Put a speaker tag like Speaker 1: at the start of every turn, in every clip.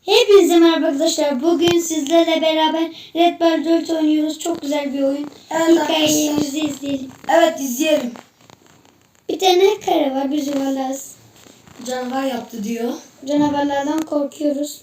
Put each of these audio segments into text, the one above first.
Speaker 1: Hepinize merhaba arkadaşlar. Bugün sizlerle beraber Red Bar 4 oynuyoruz. Çok güzel bir oyun.
Speaker 2: Evet,
Speaker 1: hikayemizi izleyelim.
Speaker 2: Evet, izleyelim.
Speaker 1: Bir tane kare var. Biz yuvarlarız.
Speaker 2: Canavar yaptı diyor.
Speaker 1: Canavarlardan korkuyoruz.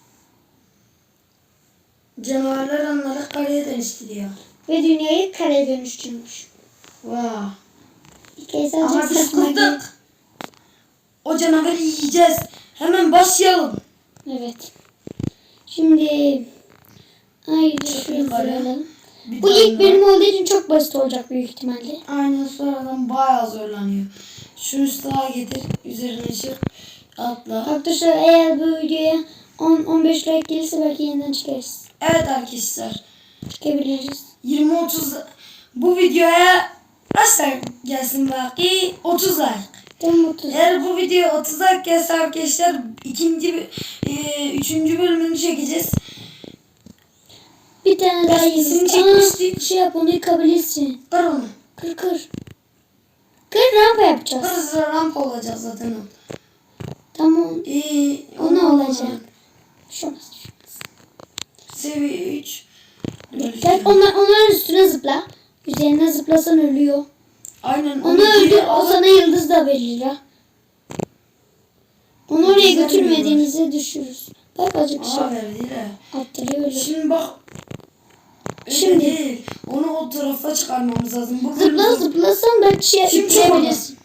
Speaker 2: Canavarlar onları kareye dönüştürüyor.
Speaker 1: Ve dünyayı kareye dönüştürmüş.
Speaker 2: Vay.
Speaker 1: Hikayesi
Speaker 2: Ama
Speaker 1: azıcık
Speaker 2: biz
Speaker 1: saçma geliyor.
Speaker 2: kurtulduk. O canavarı yiyeceğiz. Hemen başlayalım.
Speaker 1: Evet. Şimdi haydi
Speaker 2: Çok
Speaker 1: şuraya
Speaker 2: yukarı.
Speaker 1: alalım.
Speaker 2: Bir
Speaker 1: Bu
Speaker 2: daha
Speaker 1: ilk
Speaker 2: mı?
Speaker 1: bölüm olduğu için çok basit olacak büyük ihtimalle.
Speaker 2: Aynen, sonradan bayağı zorlanıyor. Şunu sağa getir. Üzerine çık. Atla.
Speaker 1: Arkadaşlar eğer bu videoya 10-15 like gelirse belki yeniden çıkarız.
Speaker 2: Evet arkadaşlar.
Speaker 1: Çıkabiliriz.
Speaker 2: 20-30 bu videoya kaç like gelsin belki? 30 like.
Speaker 1: Tam 30.
Speaker 2: Eğer bu video 30 like gelse arkadaşlar üçüncü bölümünü çekeceğiz.
Speaker 1: Bir tane daha
Speaker 2: Eskisini
Speaker 1: yedim.
Speaker 2: çekmiştik.
Speaker 1: Şey yap, onu yıkabilirsin.
Speaker 2: Kır onu.
Speaker 1: Kır. Kır, rampa yapacağız.
Speaker 2: Burası rampa olacak zaten o.
Speaker 1: Tamam. O ne olacak? Şurası.
Speaker 2: Seviye 3.
Speaker 1: Gel onların üstüne zıpla. Üzerine zıplasan ölüyor.
Speaker 2: Aynen.
Speaker 1: Onu öldür, o sana yıldız da verir ha. Onu oraya
Speaker 2: Güzel
Speaker 1: götürmediğinizde düşürürüz. Bak azıcık şey
Speaker 2: Verdi de.
Speaker 1: attırıyor öyle.
Speaker 2: Şimdi bak. Öyle
Speaker 1: Şimdi.
Speaker 2: değil. Onu o tarafa çıkarmamız lazım. Bu
Speaker 1: Zıplasan belki şey
Speaker 2: Şimdi
Speaker 1: yükleyebilirsin.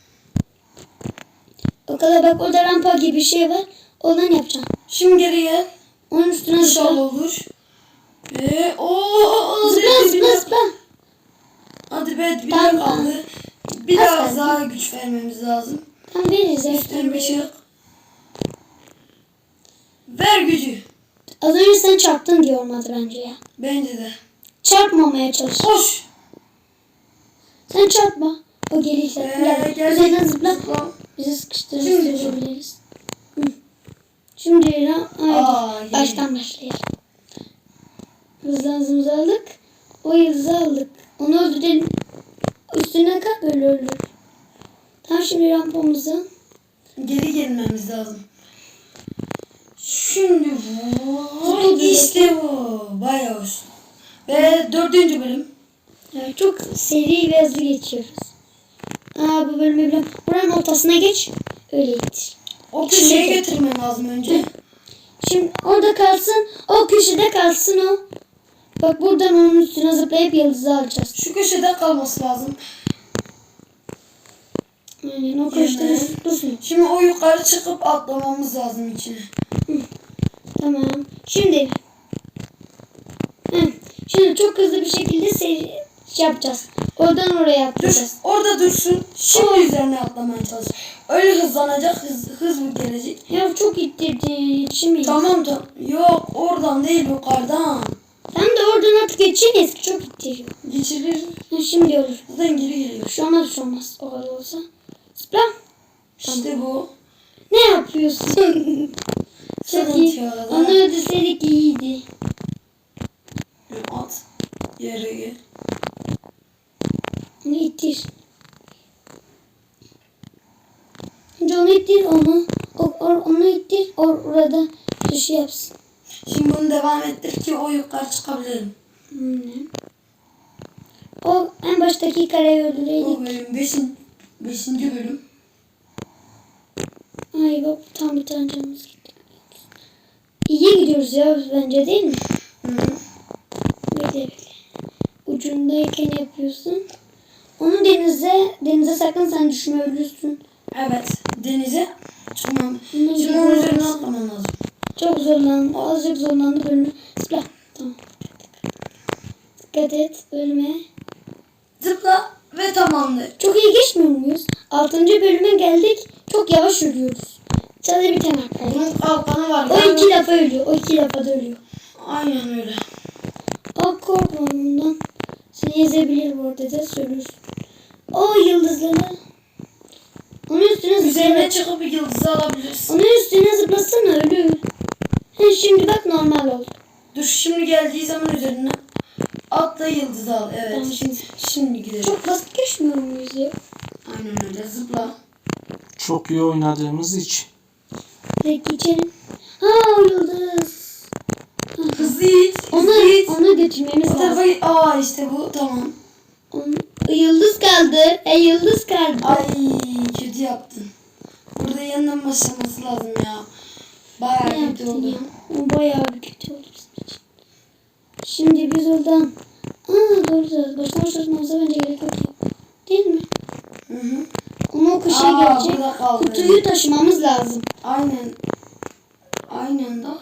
Speaker 1: O kadar bak, orada rampa gibi bir şey var. Ondan yapacaksın.
Speaker 2: Şimdi geriye.
Speaker 1: Onun üstüne
Speaker 2: İnşallah
Speaker 1: zıpla.
Speaker 2: olur.
Speaker 1: Zıpla.
Speaker 2: Hadi be, bir
Speaker 1: Tamam.
Speaker 2: daha kaldı.
Speaker 1: Az
Speaker 2: Biraz
Speaker 1: kaldı.
Speaker 2: daha güç vermemiz lazım.
Speaker 1: Tam veririz.
Speaker 2: Üstüne bir şey. Ver gücü.
Speaker 1: Az önce sen çarptın diye olmadı bence ya.
Speaker 2: Bence de.
Speaker 1: Çarpmamaya çalış.
Speaker 2: Koş.
Speaker 1: Sen çarpma. O gelirse. Gel.
Speaker 2: Gel.
Speaker 1: Üzerinden zıpla.
Speaker 2: Zıpla.
Speaker 1: Bizi sıkıştırır
Speaker 2: Şimdi.
Speaker 1: sürebiliriz. Şimdi haydi.
Speaker 2: Aa,
Speaker 1: Baştan başlayalım. Hızlı aldık. O yıldızı aldık. Onu öldürelim. Üstüne kalk, öyle öldür. Tamam, şimdi rampamızı.
Speaker 2: Geri gelmemiz lazım. Şimdi
Speaker 1: Zıpla.
Speaker 2: işte bu. Bayağı hoş. Ve 4. bölüm.
Speaker 1: Evet, çok seri ve hızlı geçiyoruz. Bu bölümü biliyorum. Buranın ortasına geç. Öyle git.
Speaker 2: O
Speaker 1: İçine
Speaker 2: köşeye
Speaker 1: gel.
Speaker 2: götürmen lazım önce.
Speaker 1: Şimdi orada kalsın. O köşede kalsın o. Bak, buradan onun üstüne zıplayıp yıldızı alacağız.
Speaker 2: Şu köşede kalması lazım.
Speaker 1: Aynen, o köşede dursun.
Speaker 2: Şimdi o yukarı çıkıp atlamamız lazım içine.
Speaker 1: Tamam. Şimdi. Şimdi çok hızlı bir şekilde şey yapacağız. Oradan oraya
Speaker 2: Dur.
Speaker 1: atlayacağız.
Speaker 2: Orada dursun. Şimdi üzerine atlamaya çalış. Öyle hızlanacak. Hız mı gelecek?
Speaker 1: Ya çok ittirdi. Yetişemeyiz.
Speaker 2: Tamam. Yok, oradan değil, yukarıdan.
Speaker 1: Tam da oradan artık geçeceğiz ki çok ittiriyor.
Speaker 2: Geçirir.
Speaker 1: Şimdi olur.
Speaker 2: Zaten geri geliyor.
Speaker 1: Şu olmaz. O kadar olsa. Zıpla.
Speaker 2: İşte bu.
Speaker 1: Ne yapıyorsun? Çok
Speaker 2: Sıkıntı
Speaker 1: iyi.
Speaker 2: yok.
Speaker 1: Onu öldürseydik iyiydi.
Speaker 2: At. Yere gel.
Speaker 1: Onu ittir. Önce onu ittir, onu. Onu ittir. Orada şey yapsın.
Speaker 2: Şimdi bunu devam ettir ki o yukarı çıkabilirim.
Speaker 1: O en baştaki kareyi öldüreydik.
Speaker 2: O bölüm 5. bölüm.
Speaker 1: Ay bak, tam bir tane canımız gitti. İyi gidiyoruz ya bence, değil mi?
Speaker 2: Hı.
Speaker 1: Bekle. Ucundayken yapıyorsun. Onu denize sakın sen düşme, ölürsün.
Speaker 2: Evet. Denize çıkmam.
Speaker 1: Bunun
Speaker 2: Şimdi
Speaker 1: gibi
Speaker 2: onun üzerine
Speaker 1: olmaz.
Speaker 2: atlamam lazım.
Speaker 1: Çok zorlandı. Azıcık zorlandı bölümü. Zıpla. Tamam. Dikkat et. Ölme.
Speaker 2: Zıpla ve tamamdır.
Speaker 1: Çok iyi geçmiyor muyuz? 6. bölüme geldik. Çok yavaş ölüyoruz. Sadece bir tane kaldı.
Speaker 2: Bunun kalkanı var.
Speaker 1: O 2 defa ölüyor. O 2 defa da ölüyor.
Speaker 2: Aynen öyle.
Speaker 1: Korkma ondan. Seni ezebilir bu arada da söylüyorsun. O yıldızları. Onun üstüne
Speaker 2: Üzerine
Speaker 1: zıpla.
Speaker 2: çıkıp bir yıldızı alabilirsin.
Speaker 1: Onun üstüne zıplasana, ölür. Şimdi bak, normal oldu.
Speaker 2: Dur, şimdi geldiği zaman üzerine atla, yıldızı al. Evet.
Speaker 1: Tamam.
Speaker 2: Şimdi gidelim.
Speaker 1: Çok basit geçmiyor muyuz ya?
Speaker 2: Aynen öyle. Zıpla.
Speaker 3: Çok iyi oynadığımız için.
Speaker 1: Direkt geçelim. O yıldız. götürmemiz
Speaker 2: O tarafa
Speaker 1: lazım.
Speaker 2: git. Aa işte bu tamam.
Speaker 1: Yıldız kaldı. Yıldız kaldı.
Speaker 2: Ay kötü yaptın. Burada yeniden başlaması lazım ya. Bayağı
Speaker 1: Ne
Speaker 2: kötü
Speaker 1: yaptın
Speaker 2: oldu.
Speaker 1: ya? O bayağı bir kötü oldu bizim için. Şimdi biz oradan... Doğru. Baştan başlatmamıza bence gerek yok. Değil mi?
Speaker 2: Hı hı.
Speaker 1: Onu o köşeye gelecek.
Speaker 2: burada kaldı.
Speaker 1: Kutuyu taşımamız lazım.
Speaker 2: Aynen. Aynen da.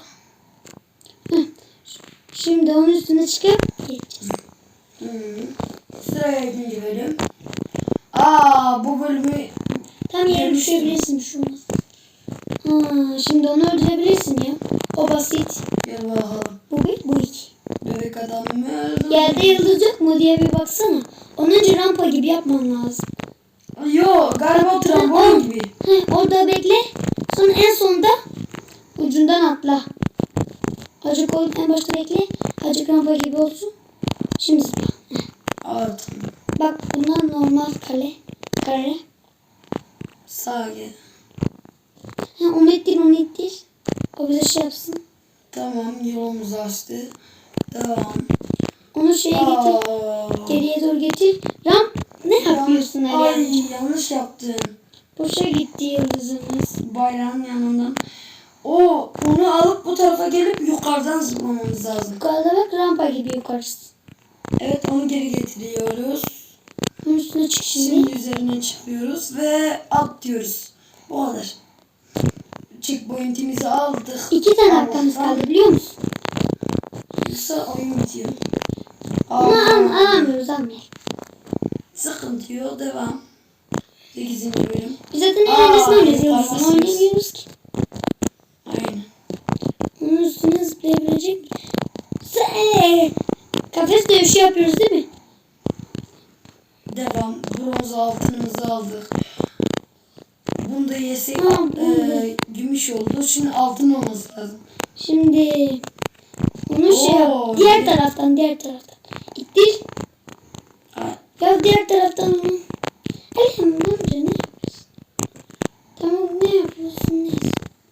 Speaker 1: Şimdi onun üstüne çıkıp geçeceğiz.
Speaker 2: Hı. Sıraya 2. bölüm. Bu bölümü
Speaker 1: Tam yere düşebilirsin şu an. Şimdi onu öldürebilirsin ya. O basit.
Speaker 2: gel bakalım.
Speaker 1: Bu bir, bu iki.
Speaker 2: Bebek adam mı öldü?
Speaker 1: Yerde yıldız yok mu diye bir baksana. Onun önce rampa gibi yapman lazım.
Speaker 2: Yo galiba trambolin gibi.
Speaker 1: Orada bekle. Sonra en sonunda ucundan atla. Azıcık en başta bekle. Azıcık rampa gibi olsun. Şimdi zıpla.
Speaker 2: Evet.
Speaker 1: Bak bunlar normal kare.
Speaker 2: Sağa gel.
Speaker 1: Onu ittir. O bize şey yapsın.
Speaker 2: Tamam yolumuzu açtı. Devam.
Speaker 1: Onu şeye getir. Geriye doğru getir. Ne yapıyorsun öyle?
Speaker 2: Ay yanlış yaptın.
Speaker 1: Boşa gitti yıldızımız.
Speaker 2: Bayrağın yanından. Onu alıp bu tarafa gelip yukarıdan zıplamamız lazım.
Speaker 1: Yukarıda bak rampa gibi yukarısı.
Speaker 2: Evet onu geri getiriyoruz.
Speaker 1: Bunun üstüne çık şimdi.
Speaker 2: Şimdi üzerine çıkıyoruz ve at diyoruz. Bu kadar. Checkpoint'imizi aldık.
Speaker 1: 2 tane hakkımız kaldı biliyor musun?
Speaker 2: Yoksa oyun bitiyor.
Speaker 1: Ama alamıyoruz.
Speaker 2: Sıkıntı yok. Devam. 8. bölüm.
Speaker 1: Biz zaten eğlencesine oynuyoruz.
Speaker 2: kafasız.
Speaker 1: Yıldızını oynamıyoruz ki.
Speaker 2: Aynen.
Speaker 1: Onun üstüne zıplayabilecek mi? Kafes dövüşü yapıyoruz değil mi?
Speaker 2: Devam. Bronz altınımızı aldık. Bunu da yesek gümüş oldu. Şimdi altın olması lazım.
Speaker 1: Şimdi onu yap. Diğer taraftan. İttir. Ya diğer taraftan onu. Ne yapıyorsun? Tamam ne yapıyorsun? Neyse.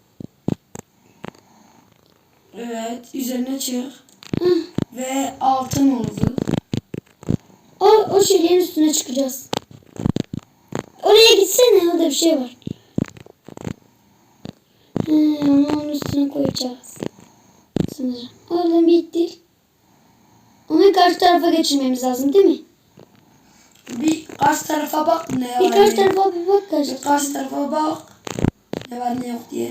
Speaker 2: Evet. Üzerine çık. Ve altın oldu.
Speaker 1: O şeylerin üstüne çıkacağız. Oraya gitsene. Orada bir şey var. Onu onun üstüne koyacağız. Sanırım. Oradan bir ittir. Onu karşı tarafa geçirmemiz lazım değil mi?
Speaker 2: Bir karşı tarafa bak ne var.
Speaker 1: Bir karşı tarafa bir bak karşı.
Speaker 2: Bir karşı tarafa bak. Ne var ne yok diye.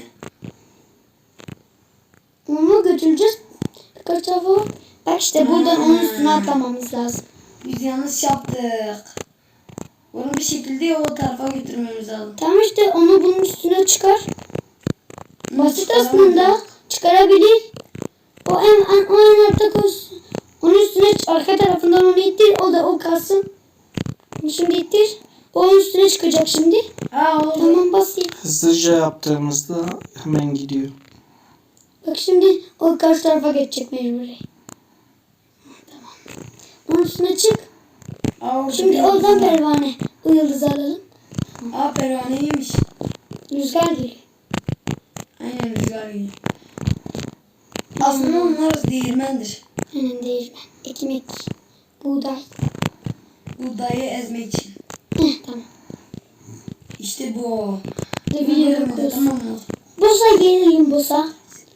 Speaker 1: Onu götüreceğiz. Bir karşı tarafa bak. Bak işte buradan onun üstüne atlamamız lazım.
Speaker 2: Biz yanlış yaptık. Bunu bir şekilde o tarafa götürmemiz lazım.
Speaker 1: Tamam işte onu bunun üstüne çıkar. Basit
Speaker 2: çıkaramayacağız.
Speaker 1: aslında. Çıkarabilir. O en altta koysun. Onun üstüne arka tarafından onu ittir. O kalsın. Bunu şimdi ittir. O onun üstüne çıkacak şimdi.
Speaker 2: Oldu.
Speaker 1: Tamam basit.
Speaker 3: Hızlıca yaptığımızda hemen gidiyor.
Speaker 1: Bak şimdi o karşı tarafa geçecek mecburi. Tamam. Onun üstüne çık. Şimdi oradan pervane. O yıldızı alalım.
Speaker 2: Pervaneymiş.
Speaker 1: Rüzgar geliyor.
Speaker 2: Aynen rüzgar gibi. Aslında onlar değirmendir.
Speaker 1: Aynen değirmen. Ekmek. Buğday.
Speaker 2: Buğdayı ezmek için.
Speaker 1: Tamam.
Speaker 2: İşte bu.
Speaker 1: Biliyorum kız.
Speaker 2: Tamam mı?
Speaker 1: Bosa gelelim bosa.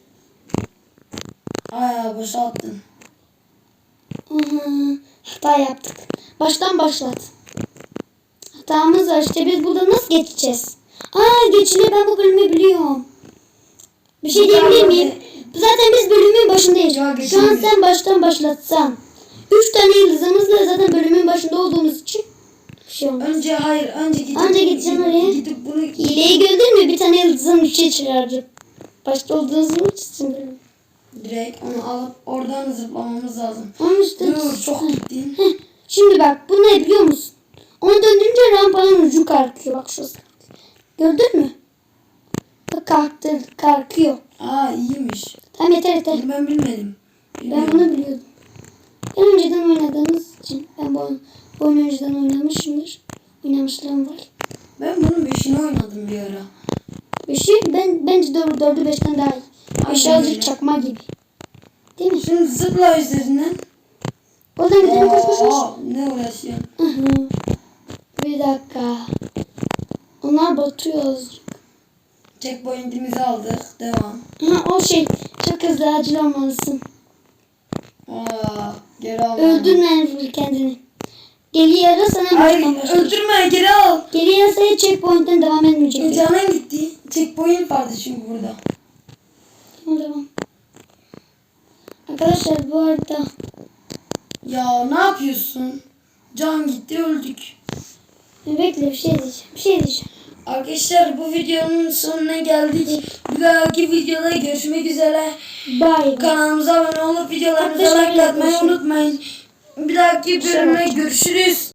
Speaker 2: Boşalttın.
Speaker 1: Hata yaptık. Baştan başlat. Hatamız var işte biz burada nasıl geçeceğiz? Geçiliyor ben bu bölümü biliyorum. Bir şey diyebilir miyim? Zaten biz bölümün başındayız.
Speaker 2: Ya,
Speaker 1: Şu an
Speaker 2: geçemeyiz.
Speaker 1: sen baştan başlatsan. 3 tane yıldızımızla zaten bölümün başında olduğumuz için bir şey olmaz.
Speaker 2: Önce gidip,
Speaker 1: Önce gideceğim oraya.
Speaker 2: Gidip bunu
Speaker 1: Hileyi gördün mü? Bir tane yıldızın 3'e çıkardı. Başta olduğunuz için bölüm.
Speaker 2: direkt onu alıp oradan zıplamamız lazım.
Speaker 1: Onun üstüne
Speaker 2: Dur çok gittin.
Speaker 1: Şimdi bak bu ne biliyor musun? Onu döndürünce rampanın ucu kalkıyor. Bak şurası. Gördün mü? Bak kalkıyor.
Speaker 2: İyiymiş.
Speaker 1: Tamam yeter.
Speaker 2: Bunu ben bilmedim.
Speaker 1: Ben bunu biliyordum. Ben önceden oynadığımız için. Ben bu oyunu önceden oynamışımdır. Oynamışlığım var.
Speaker 2: Ben bunun 5'ini oynadım bir ara.
Speaker 1: 5'i bence 4'ü 5'ten daha iyi. 5
Speaker 2: Aynen
Speaker 1: azıcık
Speaker 2: öyle.
Speaker 1: çakma gibi. Değil mi?
Speaker 2: Şimdi zıpla üzerinden.
Speaker 1: Oradan gidelim koş koş koş.
Speaker 2: Ne uğraşıyorsun?
Speaker 1: Hı hı. Bir dakika. Onlar batıyor azıcık.
Speaker 2: Checkpoint'imizi aldık. Devam.
Speaker 1: Ha, o şey. Çok hızlı acil olmalısın.
Speaker 2: Geri al.
Speaker 1: Öldürme kendini. Geriye ara sana
Speaker 2: Hayır
Speaker 1: baştan başla.
Speaker 2: öldürme, geri al.
Speaker 1: Geriye say checkpoint'ten devam etmeyecek.
Speaker 2: Canın gitti. Checkpoint vardı çünkü burada.
Speaker 1: Tamam. Arkadaşlar bu arada
Speaker 2: Ya ne yapıyorsun? Can gitti, öldük.
Speaker 1: bekle bir şey diyeceğim. Bir şey diyeceğim.
Speaker 2: Arkadaşlar bu videonun sonuna geldik. Bir dahaki videoda görüşmek üzere.
Speaker 1: Bye.
Speaker 2: Kanalımıza abone olup videolarımıza
Speaker 1: Arkadaşlar,
Speaker 2: like atmayı
Speaker 1: görüşürüz.
Speaker 2: unutmayın. Bir dahaki bölümde görüşürüz.